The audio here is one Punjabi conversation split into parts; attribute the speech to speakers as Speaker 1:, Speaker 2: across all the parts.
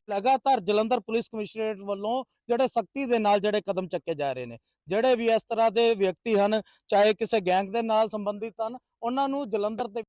Speaker 1: लगातार जलंधर पुलिस कमिश्नरेट ਵੱਲੋਂ ਜਿਹੜੇ ਸਖਤੀ ਦੇ ਨਾਲ ਜਿਹੜੇ ਕਦਮ ਚੱਕੇ ਜਾ ਰਹੇ ਨੇ। ਜਿਹੜੇ ਵੀ ਇਸ ਤਰ੍ਹਾਂ ਦੇ ਵਿਅਕਤੀ ਹਨ, ਚਾਹੇ ਕਿਸੇ ਗੈਂਗ ਦੇ ਨਾਲ ਸੰਬੰਧਿਤ ਹਨ, ਉਹਨਾਂ ਨੂੰ ਜਲੰਧਰ ਦੇ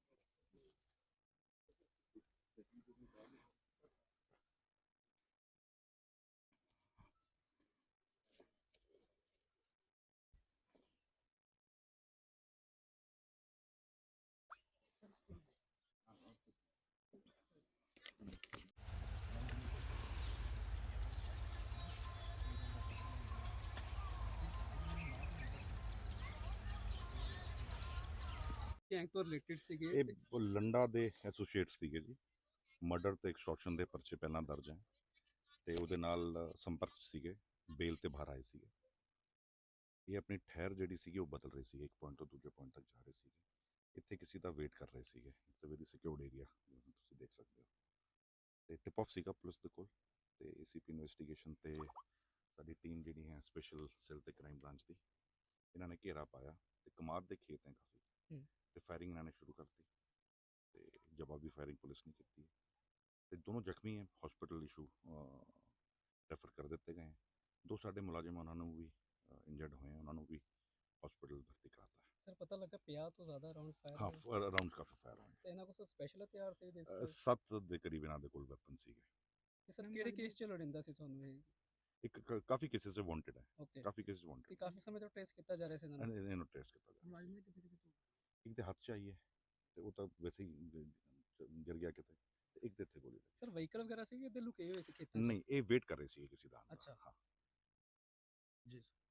Speaker 2: ਗੈਂਗ ਤੋਂ ਰਿਲੇਟਡ ਸੀਗੇ।
Speaker 3: ਇਹ ਲੰਡਾ ਦੇ ਐਸੋਸੀਏਟਸ ਸੀਗੇ ਜੀ। ਮਰਡਰ ਤੇ ਐਕਸਟੋਰਸ਼ਨ ਦੇ ਪਰਚੇ ਪਹਿਲਾਂ ਦਰਜ ਹੈ ਤੇ ਉਹਦੇ ਨਾਲ ਸੰਪਰਕ ਸੀਗੇ, ਬੇਲ ਤੇ ਬਾਹਰ ਆਏ ਸੀਗੇ। ਇਹ ਆਪਣੀ ਠਹਿਰ ਜਿਹੜੀ ਸੀਗੀ ਉਹ ਬਦਲ ਰਹੀ ਸੀਗੀ, ਇੱਕ ਪੁਆਇੰਟ ਤੋਂ ਦੂਜੇ ਪੁਆਇੰਟ ਤੱਕ ਜਾ ਰਹੇ ਸੀਗੇ। ਇੱਥੇ ਕਿਸੇ ਦਾ ਵੇਟ ਕਰ ਰਹੇ ਸੀਗੇ, it's a very secured area ਤੁਸੀਂ ਦੇਖ ਸਕਦੇ ਹੋ। ਤੇ ਟਿਪ ਆਫ ਸੀਗਾ ਪੁਲਿਸ ਦੇ ਕੋਲ ਤੇ ਏਸੀਪੀ ਇਨਵੈਸਟੀਗੇਸ਼ਨ ਤੇ ਸਾਡੀ ਟੀਮ ਜਿਹੜੀ ਹੈ ਸਪੈਸ਼ਲ ਸੈੱਲ ਤੇ ਕ੍ਰਾਈਮ ਬ੍ਰਾਂਚ ਦੀ, ਇਹਨਾਂ ਨੇ ਘੇਰਾ ਪਾਇਆ ਤੇ ਕਮਾਦ ਦੇ ਖੇਤ ਹੈ ਕਾਫੀ, ਤੇ ਫਾਇਰਿੰਗ ਇਹਨਾਂ ਨੇ ਸ਼ੁਰੂ ਕਰਤੀ ਤੇ ਜਵਾਬੀ ਫਾਇਰਿੰਗ ਪੁਲਿਸ ਨੇ ਕੀਤੀ ਤੇ ਦੋਨੋਂ ਜ਼ਖਮੀ ਹੈ, ਹਸਪੀਟਲ ਇਸ਼ੂ ਰੈਫਰ ਕਰ ਦਿੱਤੇ ਗਏ। ਦੋ ਸਾਡੇ ਮੁਲਾਜ਼ਮ ਉਹਨਾਂ ਨੂੰ ਵੀ ਇੰਜਰਡ ਹੋਏ, ਉਹਨਾਂ ਨੂੰ ਵੀ ਹਸਪੀਟਲ ਭਰਤੀ ਕਰਾਤਾ ਹੈ।
Speaker 2: ਸਰ ਪਤਾ ਲੱਗਾ 50 ਤੋਂ ਜ਼ਿਆਦਾ ਰਾਉਂਡ ਫਾਇਰ
Speaker 3: ਹਾਂ, ਰਾਉਂਡ ਕਾਫੀ ਫਾਇਰ ਹੋਏ
Speaker 2: ਤੇ ਇਹਨਾਂ ਕੋਲ ਸਪੈਸ਼ਲ ਹਥਿਆਰ ਸੀ ਦੇ
Speaker 3: 7 ਦੇ ਕਰੀਬ ਇਹਨਾਂ ਦੇ ਕੋਲ ਵੈਪਨ ਸੀਗੇ।
Speaker 2: ਸਰ ਕਿਹੜੇ ਕੇਸ 'ਚ ਲੋੜਿੰਦਾ ਸੀ ਤੁਹਾਨੂੰ ਇਹ?
Speaker 3: ਇੱਕ ਕਾਫੀ ਕੇਸਿਸ 'ਚ ਵਾਂਟਡ ਹੈ,
Speaker 2: ਓਕੇ,
Speaker 3: ਕਾਫੀ ਕੇਸਿਸ ਵਾਂਟਡ
Speaker 2: ਤੇ ਕਾਫੀ ਸਮੇਂ ਤੋਂ ਟ੍ਰੇਸ ਕੀਤਾ ਜਾ ਰਿਹਾ ਸੀ ਇਹਨਾਂ ਨੂੰ।
Speaker 3: ਇਹਨੂੰ ਟ੍ਰੇਸ ਕੀਤਾ ਜਾ ਰਿਹਾ। ਇੱਕ ਦੇ ਹੱਥ 'ਚ ਆਈ ਹੈ ਤੇ ਉਹ ਤਾਂ ਵੈਸੇ ਹੀ ਗਿਰ ਗਿਆ ਕਿਤੇ, ਤੇ ਇੱਕ ਦੇ ਇੱਥੇ ਗੋਲੀ ਲੱਗੀ।
Speaker 2: ਸਰ ਵਹੀਕਲ ਵਗੈਰਾ ਸੀ ਕਿ ਇੱਧਰ ਲੁਕੇ ਹੋਏ ਸੀ ਖੇਤਾਂ 'ਚ?
Speaker 3: ਨਹੀਂ, ਇਹ ਵੇਟ ਕਰ ਰਹੇ ਸੀ ਕਿਸੇ ਦਾ।
Speaker 2: ਅੱਛਾ
Speaker 3: ਹਾਂ ਜੀ।